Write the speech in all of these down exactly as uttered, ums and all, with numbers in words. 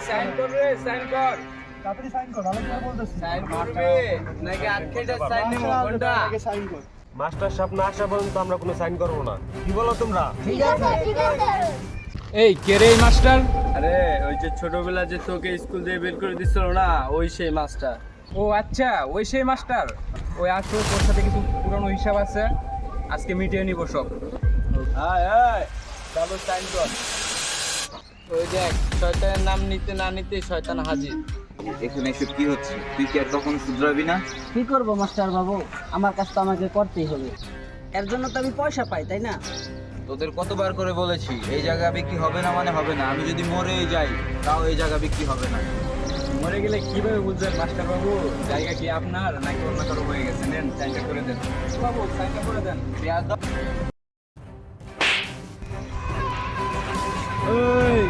Sign কর রে, sign কর। তাড়াতাড়ি সাইন কর, ভালো করে বলতেছি। সাইন করবি নাকি আটকেটা সাইন নেব কোনটা? আগে সাইন কর। মাস্টার সাহেব না আসা পর্যন্ত আমরা কোনো সাইন করবো না। কি বলো তোমরা? ঠিক আছে, ঠিক আছে। এই কে রে এই মাস্টার? আরে ওই যে ছোটবেলা যে তোকে স্কুল থেকে বের করে দিছিল না, ওই সেই মাস্টার। ও আচ্ছা, ওই সেই মাস্টার। ওই আসো, তোর সাথে কিছু পুরনো হিসাব আছে, আজকে মিটিয়ে নিব সব। আয় আয়, ডাবল সাইন কর। ওই দেখ, শয়তানের নাম নিতে না নিতে শয়তান হাজির। এখানে এসব কি হচ্ছে? তুই কি আর কখনো শুধরাবি না? কি করবো মাস্টার বাবু, আমার কাজ তো আমাকে করতেই হবে, এর জন্য তো আমি পয়সা পাই, তাই না? তোদের কতবার করে বলেছি এই জায়গা বিক্রি হবে না মানে হবে না। আমি যদি মরে যাই তাও এই জায়গা বিক্রি হবে না। মরে গেলে কিভাবে বুঝবেন মাস্টার বাবু জায়গা কি আপনার নাকি অন্য কারো হয়ে গেছে? নেন, সাইনটা করে দেন বাবু, সাইনটা করে দেন। বেয়াদব। এই,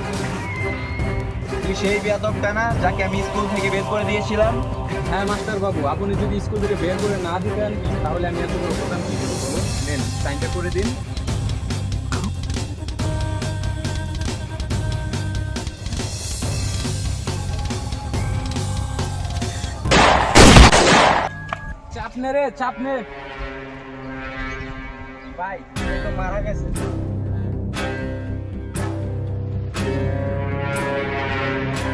তুই সেই বেয়াদবটা না যাকে আমি স্কুল থেকে বের করে দিয়েছিলাম? হ্যাঁ মাস্টার বাবু, আপনি যদি স্কুল থেকে বের করে না দিতেন তাহলে আমি এত বড় প্রধান কি করবো বলুন? নেন, সাইনটা করে দিন। চাপ নে রে, চাপ নে। ভাই, ও তো মারা গেছে।